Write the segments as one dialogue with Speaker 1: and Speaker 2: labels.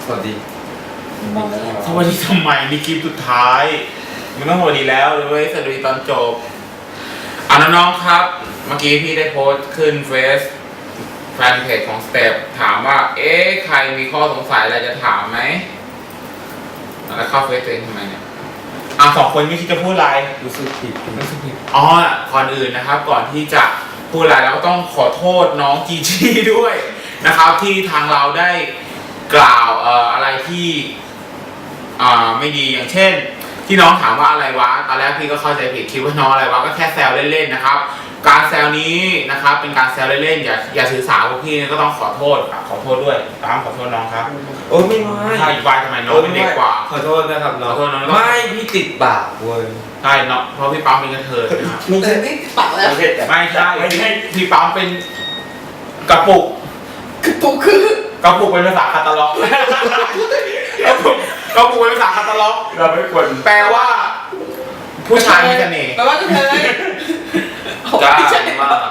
Speaker 1: วัสดี
Speaker 2: สวัสดีทำไมนี่คลิปสุดท้ายมันต้องสวัสดีแล้วเลยสวัสดีตอนจบน้องๆครับเมื่อกี้พี่ได้โพสต์ขึ้นเฟซแฟนเพจของสเต็ปถามว่าใครมีข้อสงสัยอะไรจะถามไหมแล้วเข้าเฟซตัวเองทำไมเนี่ยสองคนไม่คิดจะพูดอะไร
Speaker 1: รู้สึกผิด
Speaker 2: ก่อนอื่นนะครับก่อนที่จะพูดอะไรเราก็ต้องขอโทษน้องจีจี้ด้วยนะครับที่ทางเราได้กล่าวอะไรที่ไม่ดีอย่างเช่นที่น้องถามว่าอะไรวะตอนแรกพี่ก็เข้าใจผิดคิดว่าน้องอะไรวะก็แค่แซวเล่นๆนะครับการแซวนี้นะครับเป็นการแซวเล่นๆอย่าถือสาพวกพี่ก็ต้องขอโทษด้วยตามขอโทษน้องครับ
Speaker 1: โอ้ไม่
Speaker 2: ใช่วายทำไมน้องเป็นเด็กกว่า
Speaker 1: ขอโทษนะครับน้อง
Speaker 2: ขอโทษน้อง
Speaker 1: ไม่พี่ติดปากเว้ย
Speaker 2: ใช่เนาะเพราะพี่ปั๊มเป็นกระเทยนะครับ
Speaker 3: ไม่ติดปากแล้ว
Speaker 2: ไม่ใช่พี่ปั๊มเป็นกระปุก
Speaker 3: คือก
Speaker 2: ระปุกเป็นภาษาคาตาล็อกกระปุกเป็นภาษาคาตาล็อกเราไม่ควรแปลว่าผู้ชายมีเสน่ห์
Speaker 3: แปลว่าจะเธอ
Speaker 1: จ้ามาก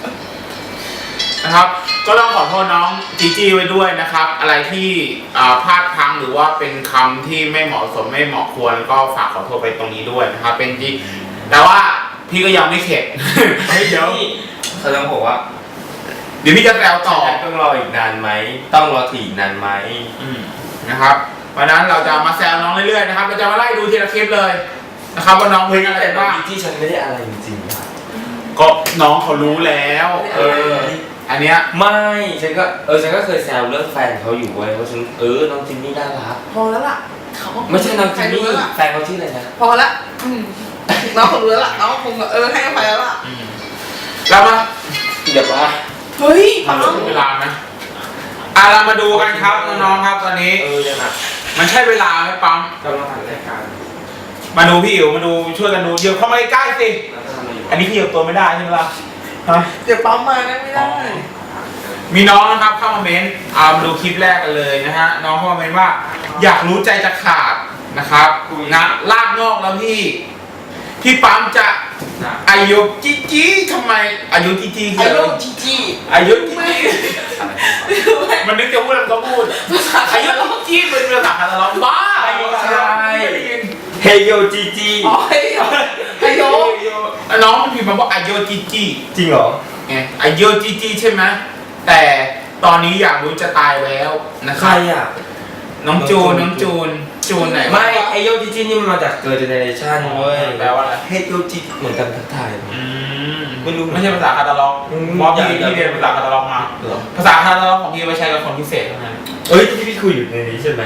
Speaker 2: นะครับก็ต้องขอโทษน้องจีจี้ไว้ด้วยนะครับอะไรที่พลาดพลั้งหรือว่าเป็นคำที่ไม่เหมาะสมไม่เหมาะควรก็ฝากขอโทษไปตรงนี้ด้วยนะครับเป็นที่แต่ว่าพี่ก็ยังไม่เข็ดเดี๋ยว
Speaker 1: เขาต้องบอกว่า
Speaker 2: เดี๋ยวพี่จะแซวต่อ
Speaker 1: ต้องรออีกนานไหมต้องรอถี่อีกนานไหม
Speaker 2: นะครับวันนั้นเราจะมาแซวน้องเรื่อยๆนะครับเราจะมาไล่ดูทีละคลิปเลยนะครับว่าน้องเป็นอะไรบ้าง
Speaker 1: ที่ฉันไม่ได้อะไรจริง
Speaker 2: ๆก็น้องเขารู้แล้วอันเนี้ย
Speaker 1: ไม่ฉันก็เคยแซวเรื่องแฟนเขาอยู่เว้ยว่าฉันน้องจิมมี่น่ารัก
Speaker 3: พอแล้วล่ะเขา
Speaker 1: ไม่ใช่น้องจิมมี่แฟนเขาชื่ออะไรนะ
Speaker 3: พอละน้องคงรู้แล้วล่ะน้องคงให้อภัยแล้วล่ะ
Speaker 2: แล้วมา
Speaker 1: เดี๋ยวว่า
Speaker 3: เฮ้ย
Speaker 2: ทำเวลาไหมเรามาดูกันครับน้องๆครับตอนนี้มันใช่เวลาไหมปั๊ม
Speaker 1: กำลังถ่ายรายการ
Speaker 2: มาดูพี่อิ๋วมาดูช่วยกันดูเดี๋ยวเข้ามาใกล้ๆสิอันนี้พี่อิ๋วตัวไม่ได้ใช่ไหมล่ะ
Speaker 3: เดี๋ยวปั๊มมานะไม่ได้
Speaker 2: มีน้องนะครับเข้ามาเม้นมาดูคลิปแรกกันเลยนะฮะน้องเข้ามาเม้นว่าอยากรู้ใจจะขาดนะครับนะลากงอกแล้วพี่ปั๊มจะอายุจีจีทำไมอายุจีจี
Speaker 3: อายุจีจี
Speaker 2: อายุจีจีมันนึกจะพูดแล้วก็พูดอายุจีจีเป็นภาษาคาตาล็อกบ้า
Speaker 1: ใช่เฮโยจีจี
Speaker 3: อ๋อเฮโย
Speaker 2: น้องมันพิมพ์มาว่าอายุจีจี
Speaker 1: จริงเหรอ
Speaker 2: ไงอายุจีจีใช่ไหมแต่ตอนนี้อยากรู้จะตายแล้วนะครับ
Speaker 1: ใครอ่ะ
Speaker 2: น้องจูนไหน
Speaker 1: ไม่ไอโยจิจินี่มันมาจากเกิร์ลเจเนเรชั่นเว้ย
Speaker 2: แปลว่าอะไร
Speaker 1: เฮโยจิเหมือนกันทักทาย
Speaker 2: ไม่รู้ไม่ใช่ภาษาคาตาล็อกเพราะพี่เรียนภาษาคาตาล็อกมาภาษาคาตาล็อกของพี่ไว้ใช้กับคนพิเศษเท่านั้น
Speaker 1: ที่พี่คุยอยู่ในนี้ใช่ไหม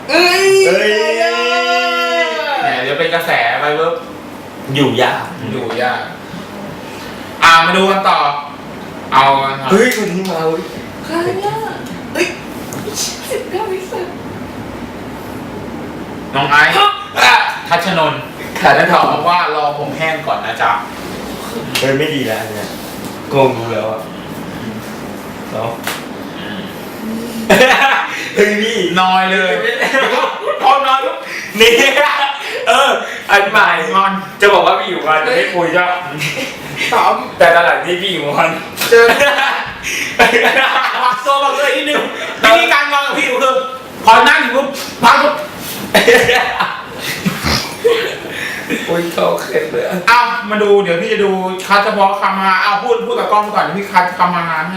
Speaker 2: เนี่ยเดี๋ยวเป็นกระแสไปเวิร์บ
Speaker 1: อยู่ยาก
Speaker 2: มาดูกันต่อเอา
Speaker 1: คนนี้มา
Speaker 3: ใครเนี่ย19 วิสุทธิ์
Speaker 2: น้องไอซ์ทัชนนท์แล้วถามว่ารอผมแห้งก่อนนะจ๊ะ
Speaker 1: ไม่ดีแล้วเนี่ยโกงดูแล้วอ่ะเนาะพี่
Speaker 2: น้อยเลยพอน้อยปุ๊บ
Speaker 1: นี่อันใหม่งอนจะบอกว่าพี่อยู่วันไม่คุยจ้ะแต่ตอนหลังที่พี่อยู่วัน
Speaker 2: เจอโซ่บอกเลยนิดนึงวิธีการงอนกับพี่อยู่คือพอนั่งอยู่ปุ๊บพักปุ๊บ
Speaker 1: โอ้ยเขาเข็ดเลย
Speaker 2: มาดูเดี๋ยวพี่จะดูคัดเฉพาะคำมาพูดกับกล้องก่อนเดี๋ยวพี่คัดคำมาให้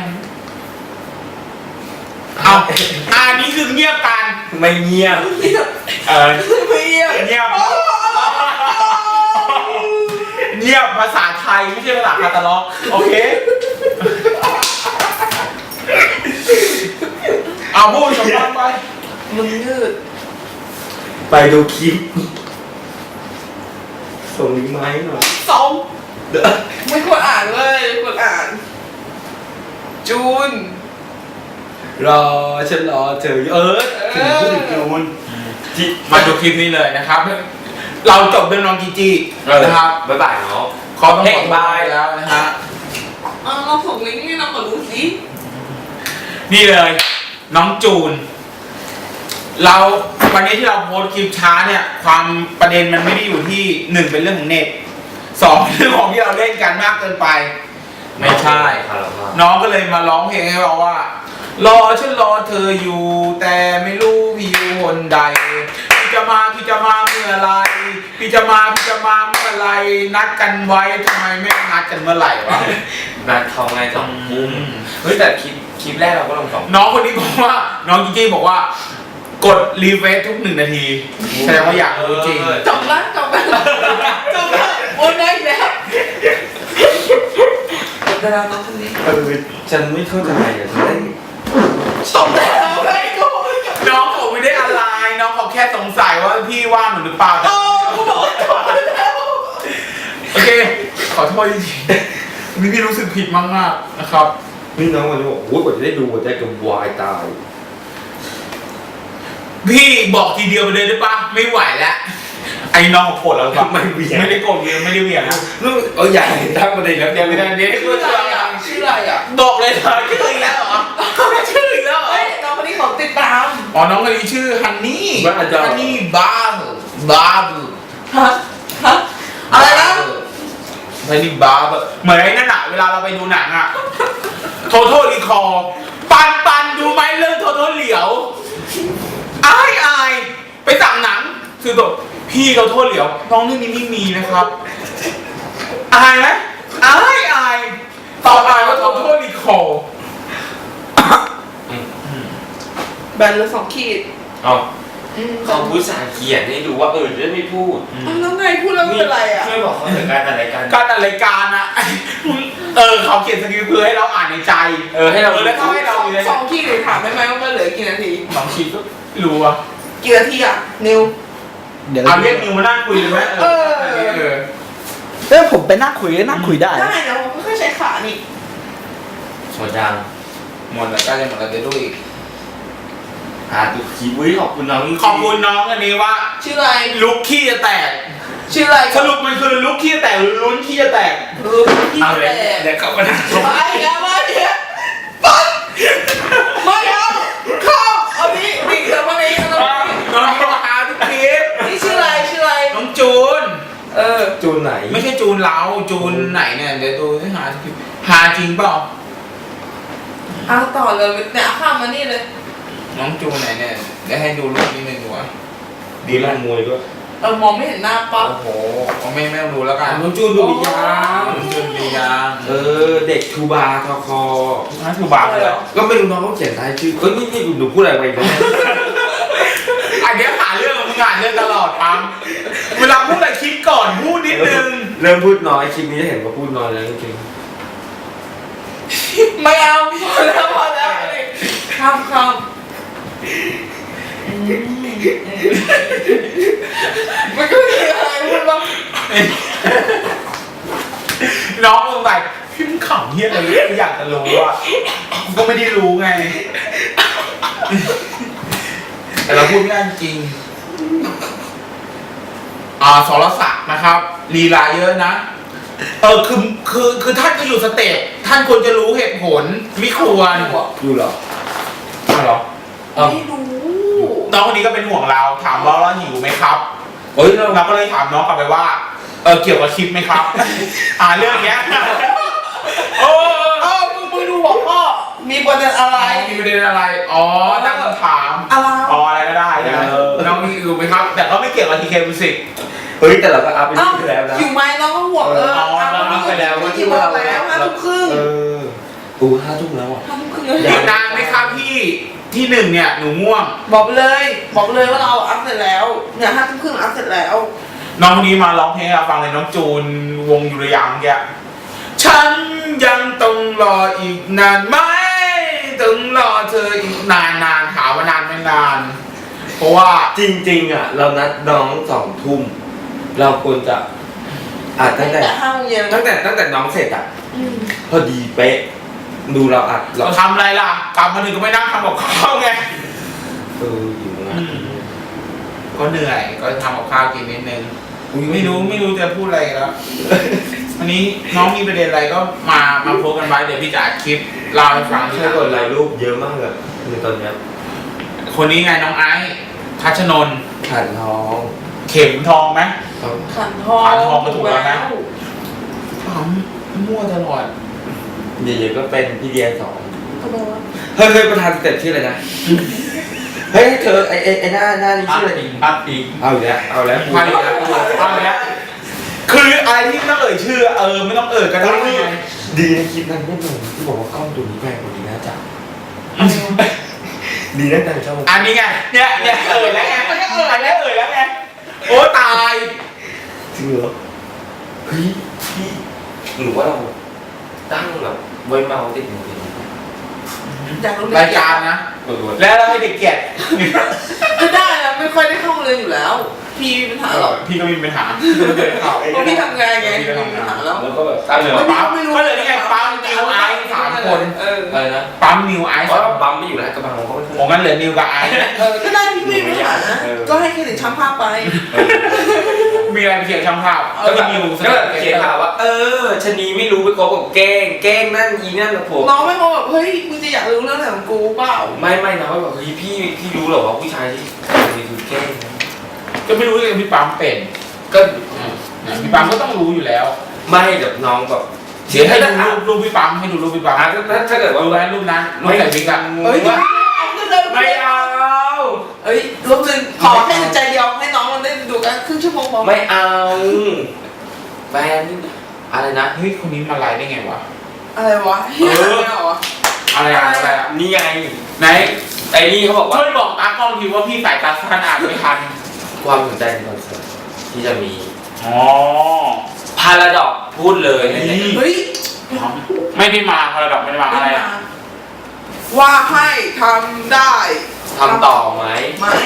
Speaker 2: นี่คือเงียบกัน
Speaker 1: ไม่เงียบ
Speaker 3: ไม่เงียบ
Speaker 2: เงียบภาษาไทยไม่ใช่ภาษาคาตาล็อกโอเคพูดสมบัติไป
Speaker 3: มึงยืด
Speaker 1: ไปดูคลิปส่งลิงก์มาให้หน่อย
Speaker 3: ส่งไม่ควรอ่านเลยไม่ควรอ่านจูน
Speaker 1: ฉันรอเธอถึงพูดถึงจูน
Speaker 2: มาดูคลิปนี้เลยนะครับเราจบด้วยน้องจีจีนะครับ
Speaker 1: บ๊ายบายเนาะ
Speaker 2: ขอต้องขอบายแล้วนะฮะ
Speaker 3: เราส่งลิงก์ให้เราขอดูสิ
Speaker 2: นี่เลยน้องจูนเราวันนี้ที่เราโพสคลิปช้าเนี่ยความประเด็นมันไม่ได้อยู่ที่1เป็นเรื่องของเน็ต2เรื่องของที่เราเล่นกันมากเกินไปไม่ใช่น้องก็เลยมาร้องเพลงให้เราว่ารอฉันรอเธออยู่แต่ไม่รู้พี่อยู่ใดพี่จะมาเมื่อไรพี่จะมาเมื่อไรนัดกันไว้ทำไมไม่นัดกันเมื่อไหร่วะ
Speaker 1: นัดเขาไงสองมุมเฮ้ยแต่คลิปแรกเราก็ลงสอง
Speaker 2: น้องคนนี้บอกว่าน้องจีจี้บอกว่ากดรีเฟซทุก1 นาทีแสดงว่าอยากรู้จริง
Speaker 3: จบแล้วโอนได้แล้วแต่เราต้องคนนี้
Speaker 1: ฉันไม่เข้าใจอ่ะฉันได้
Speaker 3: จบแล้วไอ้กู
Speaker 2: น้องเขาไม่ได้อะไรน้องเขาแค่สงสัยว่าพี่ว่างหรือเปล่าแต่
Speaker 3: โอ้กูบอกว่าจบแล้ว
Speaker 2: โอเคขอโทษจริงๆนี่พี่รู้สึกผิดมากๆนะครับ
Speaker 1: นี่น้องวันนี้บอกโอ้ยกว่าจะได้ดูหัวใจกับวายตาย
Speaker 2: พี่บอกทีเดียวไปเลยได้ปะไม่ไหวแล้วไอ้น้องโกรธแล้วปะ
Speaker 1: ไม่เวียน
Speaker 2: ไม่ได้โกรธเวียนไม่ได้เวียนนะ
Speaker 1: ลูกเอาใหญ่ตั้งประเด็นแล้วยังไม่ได้เดี๋ยว
Speaker 3: ชื่ออะไรอ่ะชื่ออะไรอ่ะ
Speaker 2: บอกเลยเหรอชื่ออีกแล้วเหรอชื่ออีกแล้วเหรอ
Speaker 3: เฮ้ยน้องคนนี้ของติดตาม
Speaker 2: อ๋อน้องคนนี้ชื่อฮันนี่
Speaker 1: บ้าจ้ะ
Speaker 2: ฮันนี่บาร์
Speaker 3: ฮะอะไรนะ
Speaker 2: ฮันนี่บาร์เหมือนไอ้นั่นอะเวลาเราไปดูหนังอะโทโทรีคอร์ปันดูไหมเรื่องโทโทเหลียวอายไปสั่งหนังคือแบบพี่โทโทเหลียวน้องเรื่องนี้ไม่มีนะครับอายไหมอายตอบอายว่าโทโทรีคอร์
Speaker 3: แบนเลย2 ขีด
Speaker 1: เอาเขาพูดสาเขียนให้ดูว่าจะไม่พูด
Speaker 3: แล้วไงพูดแล้วไม่เป็นไรอ่ะ
Speaker 1: ช่วยบอกเขาถึงการอะไรกัน
Speaker 2: การจัดรายการอะเขาเขียนสคริปต์เพื่อให้เราอ่านในใจ
Speaker 1: ให้เรา
Speaker 2: แล้วก็ให้เราอยู่ใน
Speaker 3: 2 ขีดถามได้ไหมว่ามันเหลือกี่นาที
Speaker 2: บางทีก็รู้อะ
Speaker 3: กี่นาทีอ่ะนิว
Speaker 4: เดี๋ยว
Speaker 2: เอาเรียกนิวมานั่งคุยเลยไหม
Speaker 4: เอ้ยผมไปนั่งคุยได้
Speaker 3: ได้นะผมก็ใช้ขานี่
Speaker 1: หมดยัง
Speaker 2: หมดแล้วใกล้จะหมดแล้วเดี๋ยวดูอีก
Speaker 1: ดูคลิปขอบคุณน้อง
Speaker 2: ขอบคุณน้องอันนี้ว่า
Speaker 3: ชื่ออะไร
Speaker 2: ลุกขี้จะแตก
Speaker 3: ชื่ออะไร
Speaker 2: สรุปมันคือลุกขี้จะแตกหรือลุ้นขี้จะแตก
Speaker 3: รู้ที่
Speaker 1: เอาเลย
Speaker 3: แต่
Speaker 1: เดี๋ยวเขาก็นั่ง
Speaker 3: ไปแล้วมาเนี่ยปัดไม่เอาเข้าเอานี้นี่เดี๋ยวมานี้
Speaker 2: น้องนี่มาหาทุกคลิป
Speaker 3: นี่ชื่ออะไร
Speaker 2: น้องจูน
Speaker 1: จูนไหน
Speaker 2: ไม่ใช่จูนเราจูนไหนเนี่ยเดี๋ยวดูให้หาทุกคลิปหาจริงเปล่า
Speaker 3: เอาต่อเลยเนี่ยข้ามมานี่เลย
Speaker 2: น้องจูนไหนเนี่ยเดี๋ยวให้ดูรูปนิดนึงดีกว่า
Speaker 1: ดีลั่นมวยด้วย
Speaker 3: มองไม่เห็นหน้าปั๊บ
Speaker 2: โอ้โหเอาไม่ต้องดูแล้วกัน
Speaker 1: น้องจูนดูดียัง
Speaker 2: น้องจูนดียัง
Speaker 1: เด็กทูบาทอคอ
Speaker 2: นั่นคือบาร์เลย
Speaker 1: ก็ไม่รู้น้องเขาเขียนท้ายชื่อนี่หนูพูดอะไรไปบ้าง
Speaker 2: อันเนี้ยหาเรื่องมึงหาเรื่องตลอดปั๊มเวลาพูดอะไรคิดก่อนพูดนิดนึง
Speaker 1: เริ่มพูดน้อยคลิปนี้จะเห็นว่าพูดน้อยแล้วจริง
Speaker 3: ไม่เอาพอแล้วข้ามมันก็มีอะไรพูดบ้าง
Speaker 2: น้องมึงแบบพี่มึงขำเฮี้ยอะไรกูอยากจะรู้อ่ะกูก็ไม่ได้รู้ไง แต่เราพูดไม่ได้จริงสรศักดิ์นะครับลีลาเยอะนะคือท่านก็อยู่สเตจท่านควรจะรู้เหตุผลไม่ควร
Speaker 1: อยู่เหรอ
Speaker 2: เหรอ
Speaker 3: ไม่รู้
Speaker 2: น้องคนนี้ก็เป็นห่วงเราถามว่าเราหิวไหมครับ
Speaker 1: เฮ้ย
Speaker 2: เราก็เลยถามน้องกลับไปว่าเกี่ยวกับคลิปไหมครับ เรื่องเนี้ย
Speaker 3: มึงดูบอกพ่อมีประเด็นอะไร
Speaker 2: มีประเด็นอะไรตั้งคำถาม
Speaker 3: อะไร
Speaker 2: อะไรก็ได้นะน้องมีอยู่ไหมครับ แต่ก็ไม่เกี่ยวกับทีเคมิวสิก
Speaker 1: เฮ้ยแต่เราก็อัพไปที่แล้วนะ
Speaker 3: อยู่ไหมน้องก็ห่วงที่บอกแล้ว5 ทุ่มครึ่ง
Speaker 1: 5 ทุ่มแล้วอ่ะ
Speaker 3: 5 ทุ่มครึ่ง
Speaker 2: อีกนานไหมครับพี่ที่หนึ่งเนี่ยหนูง่วง
Speaker 3: บอกเลยว่าเราอัพเสร็จแล้วเนี่ย5 ทุ่มครึ่งอัพเสร็จแล้ว
Speaker 2: น้องคนนี้มาร้องเพลงให้เราฟังเลยน้องจูนวงยุรยางแกฉันยังต้องรออีกนานไหมต้องรอเธออีกนานถามว่านานไม่นาน เพราะว่า
Speaker 1: จริงๆอ่ะเรานัดน้อง2 ทุ่มเราควรจะอัดตั้งแต่
Speaker 3: 5 โมงเย็น
Speaker 1: ตั้งแต่น้องเสร็จอ่ะพอดีเป๊ะดูเราอัด
Speaker 2: เราทำอะไรล่ะกลับมาถึงก็ไม่นั่งทำกับข้าวไง
Speaker 1: อยู่นะ
Speaker 2: ก็เหนื่อยก็ทำกับข้าวกินนิดนึงไม่รู้จะพูดอะไรแล้ววันนี้น้องมีประเด็นอะไรก็มาโพสกันไว้เดี๋ยวพี่จะอัดคลิปเล่าให้ฟัง
Speaker 1: ใช่กดไลค์รูปเยอะมากเลยในตอนเนี้ย
Speaker 2: คนนี้ไงน้องไอซ์ทัชนนท์
Speaker 1: ขันท้อง
Speaker 2: เข็มทองไหม
Speaker 3: ขันทอง
Speaker 2: ขันทองก็ถูกแล้วนะ ปั๊มมั่วตลอด
Speaker 1: เดี๋ยวก็เป็นพี่เดีย2
Speaker 3: ทำไมวะ
Speaker 1: เคยประธานสเต็ปชื่ออะไรนะ
Speaker 4: เฮ้ยเธอไอ้หน้านี่ชื่ออะไร
Speaker 2: อัพอีก
Speaker 4: เอาอีกแล้วเอาแล้ว
Speaker 2: มาอีกแล้วเอาอีกแล้วคืออะไรที่ไม่ต้องเอ่ยชื่อไม่ต้องเอ่ยก็ได้ไง
Speaker 1: ดีนะคลิปนั้นไม่เหมือนที่บอกว่ากล้องตัวนี้แพงกว่านี้นะจ๊ะดีนะแต่ชอบ
Speaker 2: อันนี้ไงเนี่ยเอ่ยแล้วไงอันนี้เอ่ยแล้วไงโอ้ตาย
Speaker 1: จริงเหรอเฮ้ยพี่หรือว่าเราตั้งแบบไว้เมาติดมือ
Speaker 3: อยากรู้
Speaker 2: รายการนะ แล้วเราให้เด็กเกียรติ
Speaker 3: จะได้นะไม่ค่อยได้เข้าเรียนอยู่แล้ว พี่มีปัญหาหรอก
Speaker 2: พี่ก็มีปัญหา
Speaker 3: เพราะพี่ทำงานไง
Speaker 2: พี่
Speaker 3: มี
Speaker 2: ก็ทำงาน
Speaker 3: ปัญหาแล้ว
Speaker 1: แล้วก็แบบตั้งเลย
Speaker 2: ปั๊มก็เลยนี่ไงปั๊มนิวไอซ์3 คน
Speaker 1: อะไรนะ
Speaker 2: ปั๊มนิวไอซ์
Speaker 1: เพราะว่าปั๊มไม่อยู่แล้วกระบังเขาไม่
Speaker 2: ผมงั้นเหลือนิวกับไอซ์
Speaker 3: ก็ได้พี่ไม่มีปัญหาก็ให้เครดิตช่างภาพไป
Speaker 2: มีอะไรไปเขียนช่างภาพก็มีนิว
Speaker 1: ก็เขียนข่าวว่าชะนีไม่รู้ไปคบกับแกล้งนั่นอีนั่นกับผม
Speaker 3: น้องไม่มาแบบเฮ้ยมึงจะอยากรู้เรื่องอะไรของกูเปล่า
Speaker 1: ไม่นะว่าแบบเฮ้ยพี่รู้เหรอว่าผู้ชายที่ถูกแกล้ง
Speaker 2: ก็ไม่รู้เลยพี่ปั๊มเป็น
Speaker 1: ก็
Speaker 2: พี่ปั๊มก็ต้องรู้อยู่แล้ว
Speaker 1: ไม่แบบน้องแบบ
Speaker 2: เดี๋ยวให้ดูรูปพี่ปั๊มให้ดูรูปพี่ปั๊ม
Speaker 1: ถ้าเกิดว่า
Speaker 2: ดูไหมรูปนั้นรูปใส่วิกอะ
Speaker 3: เฮ้ย
Speaker 1: ไม่เอา
Speaker 3: เฮ้ยรูปหนึ่งขอแค่ใจเดียวให้น้องมันได้ดูกันครึ่งชั่วโมงพอ
Speaker 1: ไม่เอาแฟนอะไรนะ
Speaker 2: เฮ้ยคนนี้มาไลฟ์ได้ไงวะ
Speaker 3: อะไรวะเฮียอะไรวะ
Speaker 2: อะไรอะ
Speaker 1: นี่ไง
Speaker 2: ไหน
Speaker 1: ไอ้นี่เขาบอกว่า
Speaker 2: ช่วยบอกตากล้องทีว่าพี่สายตาสั้นอ่านไม่ทัน
Speaker 1: ความสนใจในคอนเสิร์ตที่จะมี
Speaker 2: อ๋อ
Speaker 1: พาราดอกพูดเลยใน
Speaker 3: เฮ้ย
Speaker 2: ไม่ได้มาพาราดอกไม่ได้มาอะไรอะ
Speaker 3: ว่าให้ทำได้
Speaker 1: ทำต่อไหม
Speaker 3: ไหม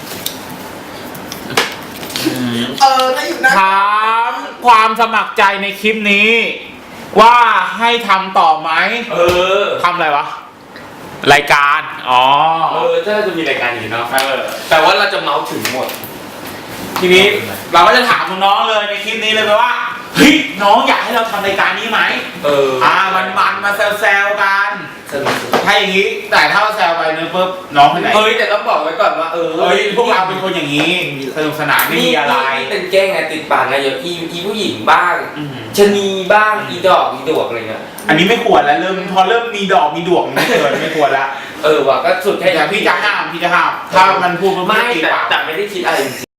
Speaker 3: ถ้าอยู่นะ
Speaker 2: ถามความสมัครใจในคลิปนี้ ว่าให้ทำต่อไหมทำอะไรวะ รายการ อ๋อ
Speaker 1: ถ้าจะมีรายการอย่างนี้เนาะแต่ว่าเราจะเมาส์ถึงหมด
Speaker 2: ทีนี้เราก็จะถามน้องๆเลยในคลิปนี้เลยว่าเฮ้ยน้องอยากให้เราทำรายการนี้ไหมมันมาแซวๆกัน
Speaker 1: สนุก
Speaker 2: ถ้าอย่างนี้แต่ถ้าเราแซวไปเนื้อปุ๊บน้องไปไหน
Speaker 1: เฮ้ยแต่ต้องบอกไว้ก่อนว่า
Speaker 2: พวกเราเป็นคนอย่างนี้สนุกสนานไม่มีอะไร
Speaker 1: นี่เป็นแกล้งไงติดปากไงอย่างอีผู้หญิงบ้างชะนีบ้างอีดอกอีดวกอะไรเงี้ย
Speaker 2: อันนี้ไม่ควรแล้วพอเริ่มมีดอกมีดวงไม่เกินไม่ควรละ
Speaker 1: ว่ะก็สุดแค่
Speaker 2: แต่พี่จะห้ามถ้ามันพูด
Speaker 1: ไม่
Speaker 2: ตีปาก
Speaker 1: แต่ไม่ได้คิดอะไรจริง